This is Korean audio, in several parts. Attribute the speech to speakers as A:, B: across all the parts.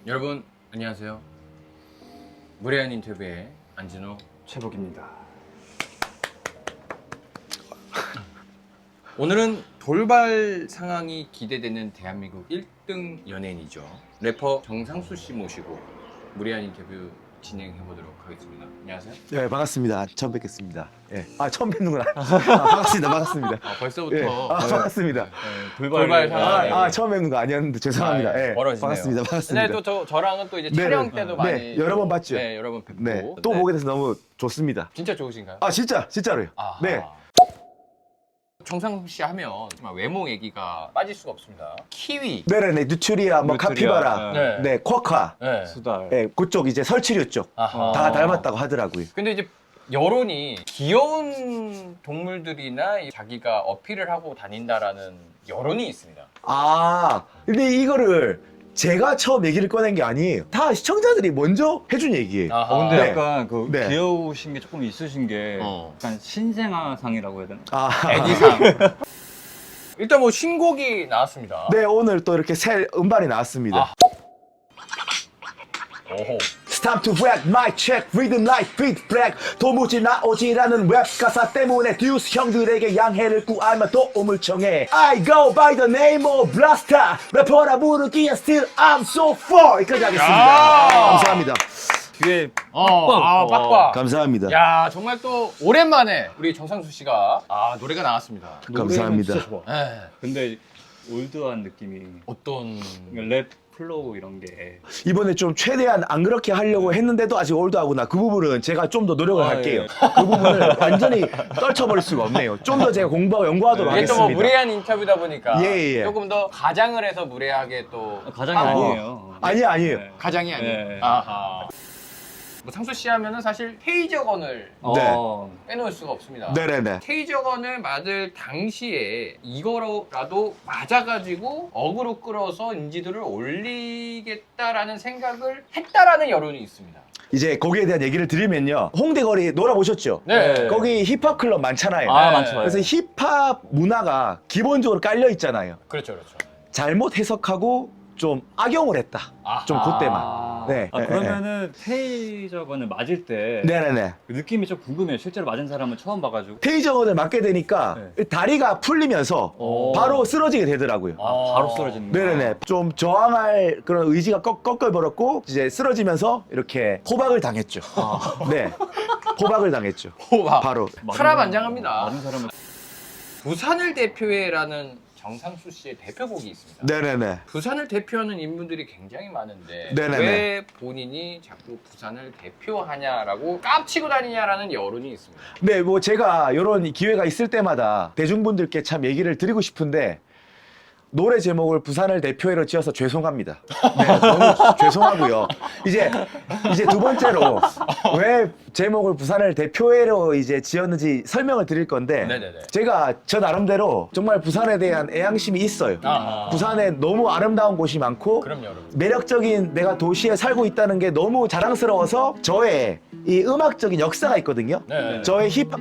A: 여러분 안녕하세요. 무례한 인터뷰의 안진호
B: 최복입니다.
A: 오늘은 돌발 상황이 기대되는 대한민국 1등 연예인이죠. 래퍼 정상수 씨 모시고 무례한 인터뷰 진행해 보도록 하겠습니다. 안녕하세요.
C: 네, 반갑습니다. 처음 뵙겠습니다. 예. 아, 처음 뵙는구나. 반갑습니다. 반갑습니다.
A: 벌써부터
C: 예. 반갑습니다.
A: 돌발 상황.
C: 처음 뵙는 거 아니었는데 죄송합니다. 예.
A: 멀어지네요.
C: 반갑습니다. 반갑습니다.
A: 근데 또 저랑은 또 이제
C: 네,
A: 촬영 때도 많이
C: 네, 여러 번 봤죠.
A: 네, 여러 번 뵙고.
C: 네, 또 보게 돼서 너무 좋습니다.
A: 진짜 좋으신가요?
C: 아, 진짜로요.
A: 아하.
C: 네.
A: 정상수 씨 하면 정말 외모 얘기가 빠질 수가 없습니다. 키위.
C: 네네네, 뉴트리아, 뭐
B: 뉴트리아,
C: 카피바라,
A: 네.
C: 네, 쿼카,
A: 네.
B: 수달.
C: 예, 그쪽 이제 설치류 쪽.
A: 아하.
C: 다 닮았다고 하더라고요.
A: 근데 이제 여론이 귀여운 동물들이나 자기가 어필을 하고 다닌다라는 여론이 있습니다.
C: 아, 근데 이거를 제가 처음 얘기를 꺼낸 게 아니에요. 다 시청자들이 먼저 해준 얘기예요.
A: 아하.
B: 근데
C: 네.
B: 약간 그
C: 네.
B: 귀여우신 게 조금 있으신 게
A: 어.
B: 약간 신생아상이라고 해야 되나?
C: 아,
A: 애기상. 일단 뭐 신곡이 나왔습니다.
C: 네, 오늘 또 이렇게 새 음반이 나왔습니다.
A: 아. 오호.
C: It's time to rap, mic check, rhythm like beat black. 도무지 나오지라는 랩 가사 때문에 듀스 형들에게 양해를 구하며 도움을 청해. I go by the name of Blaster. 래퍼라 부르기에 still I'm so far. 여기까지 하겠습니다.
A: 야!
C: 감사합니다.
B: 뒤에
A: 빡빡.
C: 감사합니다.
A: 야, 정말 또 오랜만에 우리 정상수 씨가 노래가 나왔습니다.
C: 감사합니다.
B: 진짜 좋아.
A: 네.
B: 근데 올드한 느낌이
A: 어떤
B: 랩 플로우 이런 게
C: 이번에 좀 최대한 안 그렇게 하려고 했는데도 아직 올드하구나. 그 부분은 제가 좀 더 노력을
B: 아,
C: 할게요.
B: 예.
C: 그 부분을 완전히 떨쳐버릴 수가 없네요. 좀 더 제가 공부하고 연구하도록
A: 이게 또
C: 하겠습니다.
A: 뭐 무례한 인터뷰다 보니까
C: 예.
A: 조금 더 가장을 해서 무례하게 또
B: 가장이
A: 하고.
B: 아니에요.
C: 아니에요.
B: 네.
A: 가장이 아니에요.
B: 네.
A: 아하. 뭐 상수 씨 하면은 사실 테이저건을
B: 어.
A: 빼놓을 수가 없습니다.
C: 네네네.
A: 테이저건을 맞을 당시에 이거라도 맞아가지고 어그로 끌어서 인지도를 올리겠다라는 생각을 했다라는 여론이 있습니다.
C: 이제 거기에 대한 얘기를 드리면요. 홍대거리 놀아보셨죠?
A: 네.
C: 거기 힙합 클럽 많잖아요.
B: 아,
A: 네.
B: 많죠.
C: 그래서 힙합 문화가 기본적으로 깔려 있잖아요.
A: 그렇죠, 그렇죠.
C: 잘못 해석하고 좀 악용을 했다.
A: 아하.
C: 좀 그때만. 네.
B: 아, 그러면은 테이저건을 맞을 때
C: 네네네.
B: 그 느낌이 좀 궁금해요. 실제로 맞은 사람은 처음 봐가지고.
C: 테이저건을 맞게 되니까 다리가 풀리면서
B: 오.
C: 바로 쓰러지게 되더라고요.
B: 바로 쓰러지는 거야.
C: 네네네. 좀 저항할 그런 의지가 꺾여버렸고 이제 쓰러지면서 이렇게 호박을 당했죠. 네. 호박을 당했죠.
A: 호박.
C: 바로.
A: 파란만장합니다.
B: 맞은 사람은
A: 부산을 대표해라는 정상수 씨의 대표곡이 있습니다.
C: 네네네.
A: 부산을 대표하는 인물들이 굉장히 많은데
C: 네네네.
A: 왜 본인이 자꾸 부산을 대표하냐라고 깝치고 다니냐라는 여론이 있습니다.
C: 네, 뭐 제가 이런 기회가 있을 때마다 대중분들께 참 얘기를 드리고 싶은데 노래 제목을 부산을 대표해로 지어서 죄송합니다. 네, 너무 죄송하고요. 이제 두 번째로 왜 제목을 부산을 대표해로 이제 지었는지 설명을 드릴 건데
A: 네네네.
C: 제가 저 나름대로 정말 부산에 대한 애양심이 있어요.
A: 아하.
C: 부산에 너무 아름다운 곳이 많고
A: 그럼요, 여러분.
C: 매력적인 내가 도시에 살고 있다는 게 너무 자랑스러워서 저의 이 음악적인 역사가 있거든요.
A: 네.
C: 저의 힙합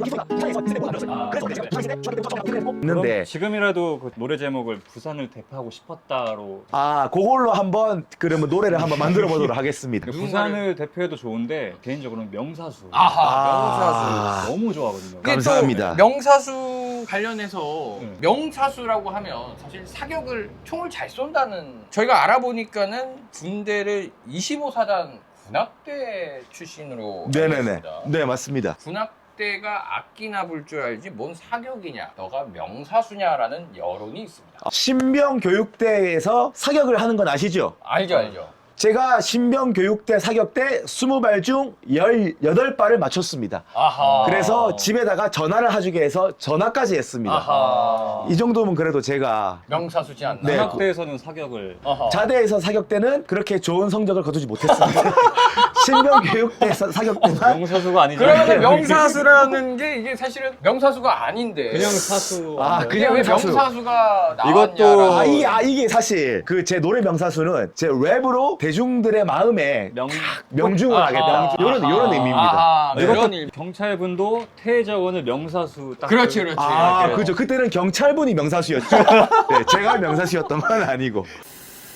C: 있는데
B: 그럼 지금이라도 그 노래 제목을 부산을 대표하고 싶었다로.
C: 그걸로 한번 그러면 노래를 한번 만들어 보도록 하겠습니다.
B: 부산을 대표해도 좋은데 개인적으로는 명사수.
A: 아하, 명사수.
B: 너무 좋아하거든요.
A: 그게 또
C: 감사합니다.
A: 명사수 관련해서
B: 네.
A: 명사수라고 하면 사실 사격을 총을 잘 쏜다는 저희가 알아보니까는 군대를 25사단 군악대 출신으로 알고
C: 네네네.
A: 있습니다.
C: 네, 맞습니다.
A: 군악대가 악기나 불 줄 알지 뭔 사격이냐 너가 명사수냐라는 여론이 있습니다.
C: 신병 교육대에서 사격을 하는 건 아시죠?
A: 알죠.
C: 제가 신병 교육대 사격 때 20발 중 18발을 맞췄습니다.
A: 아하.
C: 그래서 집에다가 전화를 해주게 해서 전화까지 했습니다.
A: 아하.
C: 이 정도면 그래도 제가
A: 명사수지 않나?
C: 네.
B: 군악대에서는 사격을
A: 아하.
C: 자대에서 사격 때는 그렇게 좋은 성적을 거두지 못했습니다. 신병 교육대 사격 때만
B: 명사수가 아니죠.
A: 그러면 명사수라는 게 이게 사실은 명사수가 아닌데
B: 그냥 사수.
C: 그냥
A: 왜
C: 사수.
A: 명사수가
B: 이것도-
A: 나왔냐라는
C: 이게 사실 그 제 노래 명사수는 제 랩으로 대중들의 마음에 명중을 하겠다. 이런 의미입니다.
A: 아하,
B: 이것도
A: 그런 일.
B: 경찰분도 테이저건을 명사수 딱.
A: 그렇지.
C: 그죠. 그때는 경찰분이 명사수였죠. 네, 제가 명사수였던 건 아니고.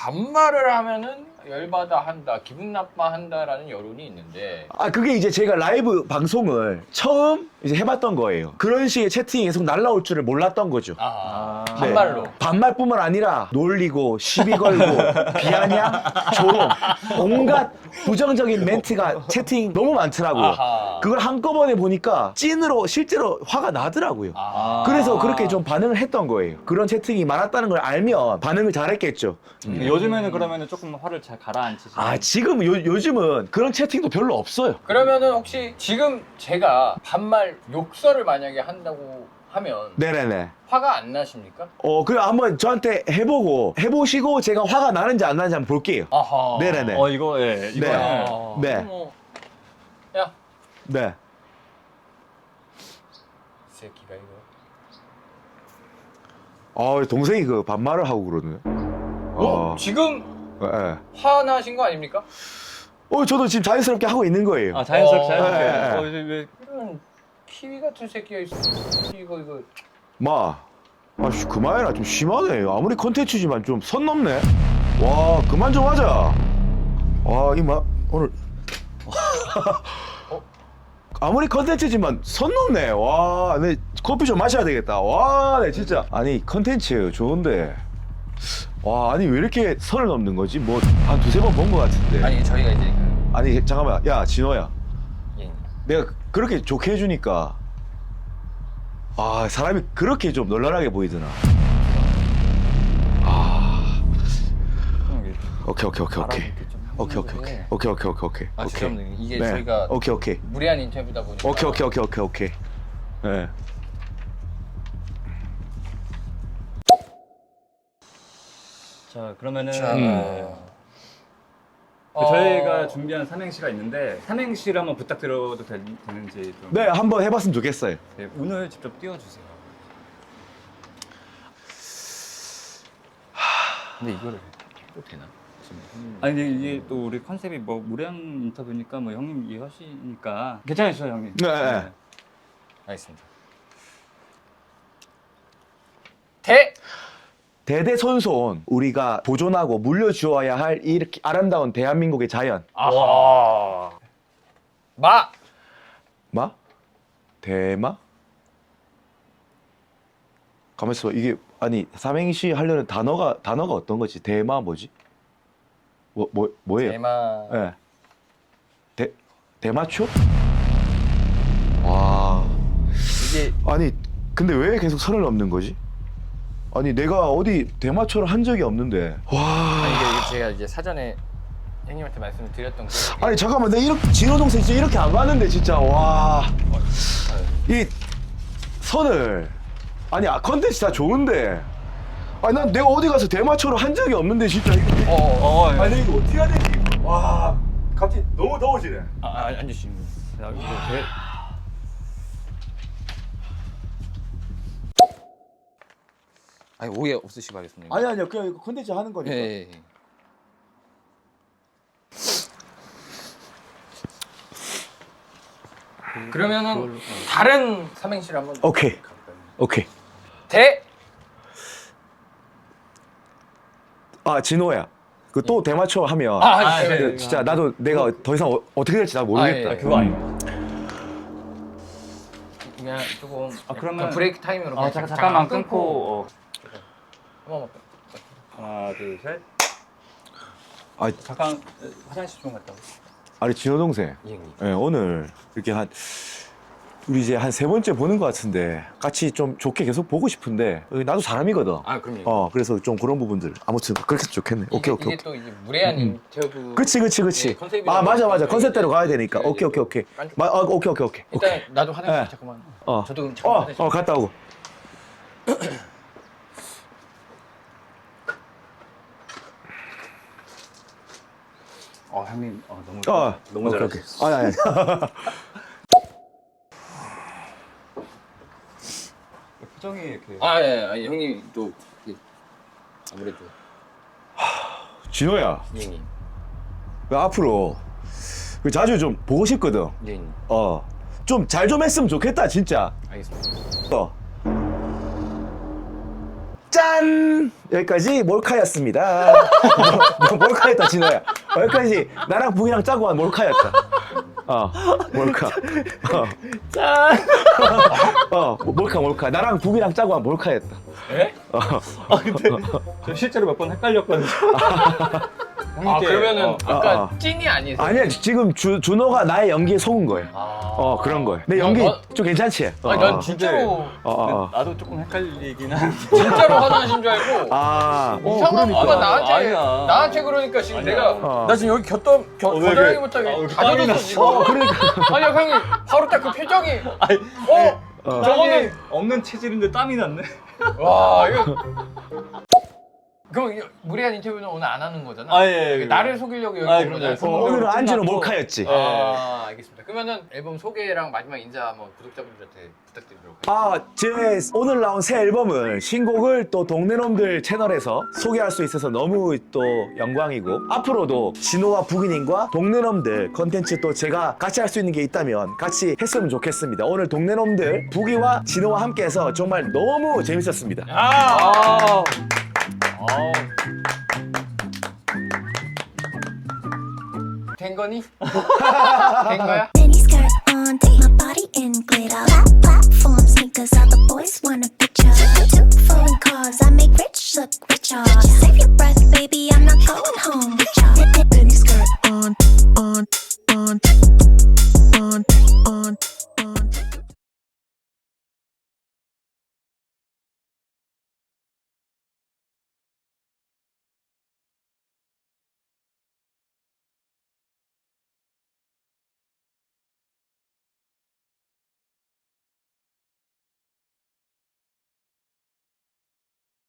A: 반말을 하면은 열받아 한다, 기분 나빠한다라는 여론이 있는데
C: 아 그게 이제 제가 라이브 방송을 처음 이제 해봤던 거예요. 그런 식의 채팅이 계속 날라올 줄을 몰랐던 거죠.
A: 아,
B: 네.
A: 반말로.
C: 반말뿐만 아니라 놀리고 시비 걸고 비아냥 조롱 온갖 부정적인 멘트가 채팅 너무 많더라고요.
A: 아하.
C: 그걸 한꺼번에 보니까 찐으로 실제로 화가 나더라고요.
A: 아.
C: 그래서 그렇게 좀 반응을 했던 거예요. 그런 채팅이 많았다는 걸 알면 반응을 잘했겠죠.
B: 요즘에는 그러면은 조금 화를 잘 가라앉히시는.
C: 아 지금 요즘은 그런 채팅도 별로 없어요.
A: 그러면은 혹시 지금 제가 반말 욕설을 만약에 한다고 하면
C: 네네네.
A: 화가 안 나십니까?
C: 그래 한번 저한테 해보시고 제가 화가 나는지 안 나는지 한번 볼게요.
A: 아하.
C: 네네네.
B: 이거 예, 이거
C: 네.
A: 아,
C: 네.
A: 뭐, 야,
C: 네.
A: 이 새끼가 이거.
C: 동생이 그 반말을 하고 그러네.
A: 지금
C: 예.
A: 화나신 거 아닙니까?
C: 저도 지금 자연스럽게 하고 있는 거예요.
B: 자연스럽게
A: 어,
B: 자연스럽게.
C: 예, 예.
B: 이제 왜
A: 이런 키위 같은 새끼가 있어. 이거.
C: 아씨 그만해라. 좀 심하네. 아무리 컨텐츠지만 좀 선 넘네. 와 그만 좀 하자. 이마 오늘 아무리 컨텐츠지만 선 넘네. 와, 내 커피 좀 마셔야 되겠다. 와, 내 진짜. 아니 컨텐츠 좋은데. 와, 아니 왜 이렇게 선을 넘는 거지? 뭐 한 두세 번 본 것 같은데.
A: 아니 저희가 이제
C: 아니 잠깐만. 야 진호야.
A: 예.
C: 내가 그렇게 좋게 해주니까 사람이 그렇게 좀 놀랄하게 보이더나. 오케이.
A: 아 죄송합니다. 이게
C: 네.
A: 저희가
C: 오케이.
A: 무례한 인터뷰다 보니까.
C: 오케이. 네.
B: 자 그러면은
A: 자,
B: 저희가 준비한 삼행시가 있는데 삼행시를 한번 부탁드려도 되는지 좀.
C: 네, 한번 해봤으면 좋겠어요.
B: 네, 오늘 직접 띄워주세요.
A: 근데 이거를 해도 되나?
B: 아니 근데 이게 또 우리 컨셉이 뭐 무례한 인터뷰니까 뭐 형님 이해하시니까 괜찮으시죠 형님?
C: 네.
A: 알겠습니다.
C: 대대손손 우리가 보존하고 물려주어야 할 이렇게 아름다운 대한민국의 자연.
A: 아하. 마.
C: 대마? 가만있어 봐. 이게 아니 삼행시 하려는 단어가 어떤 거지? 대마 뭐지? 뭐예요?
A: 대마.
C: 예. 대마초? 와.
A: 이게
C: 아니 근데 왜 계속 선을 넘는 거지? 아니 내가 어디 대마초를 한 적이 없는데. 와.
A: 아니 이게 제가 이제 사전에 형님한테 말씀을 드렸던 게
C: 아니 잠깐만 내가 이렇게 진호 동생 진짜 이렇게 안 봤는데 진짜 와. 이 선을 아니 컨텐츠 다 좋은데 아니 난 내가 어디 가서 대마초를 한 적이 없는데 진짜 이거
B: 예.
C: 아니 이거 어떻게 해야 되지? 와 갑자기 너무 더워지네.
A: 앉으시면.
B: 야, 이거
A: 아니 오해 없으시기 바라겠습니다.
C: 아니요 그냥 이거 컨텐츠 하는 거니까.
A: 예. 그러면은 다른 삼행시를 한번
C: 오케이.
A: 가볼까요?
C: 오케이. 진호야 그 또 대마초 하면
A: 네.
C: 진짜 나도 내가 더 이상 어떻게 될지 나 모르겠다.
A: 아, 예.
B: 그거 아니에요.
A: 그냥 조금
B: 그러면-
A: 약간 브레이크 타임으로 그냥
B: 잠깐만 끊고
A: 한번
B: 하나 둘 셋.
C: 아,
B: 잠깐 화장실 좀 갔다 오.
C: 아니 진호 동생.
A: 예, 형님.
C: 예, 오늘 이렇게 우리 이제 한 세 번째 보는 것 같은데 같이 좀 좋게 계속 보고 싶은데 나도 사람이거든.
A: 아 그럼요.
C: 그래서 좀 그런 부분들 아무튼 그렇게 해서 좋겠네. 오케이.
A: 이게 또 이제 무례한 인터뷰.
C: 그치.
A: 예, 컨셉이다
C: 맞아.
A: 보니까
C: 컨셉대로
A: 이제-
C: 가야 되니까.
A: 예,
C: 오케이.
A: 예.
C: 오케이.
A: 오케이. 일단 나도 화장실
C: 예.
A: 잠깐만.
C: 어.
A: 저도 잠깐 화장실.
C: 갔다 오고.
B: 형님 너무 너무
C: 오케이.
B: 잘하셨어요.
C: 아니.
B: 표정이 이렇게.
A: 예. 형님 또 이게 아무래도
C: 진호야,
A: 예, 형님.
C: 앞으로 자주 좀 보고 싶거든.
A: 예, 형님.
C: 좀 잘 좀 했으면 좋겠다, 진짜.
A: 알겠습니다.
C: 짠! 짠! 여기까지 몰카였습니다. 몰카였다, 진호야. 여기까지 나랑 북이랑 짜고 한 몰카였다. 몰카.
B: 짠.
C: 몰카. 나랑 북이랑 짜고 한 몰카였다.
B: 에? 근데 저 실제로 몇 번 헷갈렸거든요.
A: 그러면은 아까
B: 어.
A: 찐이 아니세요?
C: 아니야, 지금 준호가 나의 연기에 속은 거예요. 그런 거예요. 내 연기 좀 괜찮지?
A: 아니, 난 진짜로
B: 나도 조금 헷갈리긴 한데.
A: 진짜로 화장하신 줄 알고 이상한
C: 그러니까.
A: 거가 나한테
B: 아니야.
A: 그러니까 지금
B: 아니야.
A: 내가 나 지금 여기
B: 왜
A: 겨드랑이부터
B: 이렇게-
A: 여기
B: 왜
A: 다
B: 땀이
A: 젖었어
B: 났어?
A: 지금.
C: 그러니까.
A: 아니야 형님 바로 딱 그 표정이
B: 아니,
A: 저거는
B: 저거는 없는 체질인데 땀이 났네.
A: 와 이거 그럼 이거 무례한 인터뷰는 오늘 안 하는 거잖아?
B: 예.
A: 나를 속이려고 여기
B: 아,
A: 온 거잖아.
B: 그럼요.
C: 오늘은 안주는
B: 끝났고.
C: 몰카였지.
A: 알겠습니다. 그러면은 앨범 소개랑 마지막 인사 한번 구독자분들한테 부탁드리도록 하겠습니다.
C: 제 오늘 나온 새 앨범을 신곡을 또 동네놈들 채널에서 소개할 수 있어서 너무 또 영광이고 앞으로도 진호와 북이님과 동네놈들 컨텐츠 또 제가 같이 할 수 있는 게 있다면 같이 했으면 좋겠습니다. 오늘 동네놈들 북이와 진호와 함께해서 정말 너무 재밌었습니다.
A: 된 거니? 된 거야?
D: Mini skirt on, take my body in glitter. Platform sneakers, all the boys want a picture. Two foreign cars, I make rich look richer. Save your breath, baby, I'm not going home.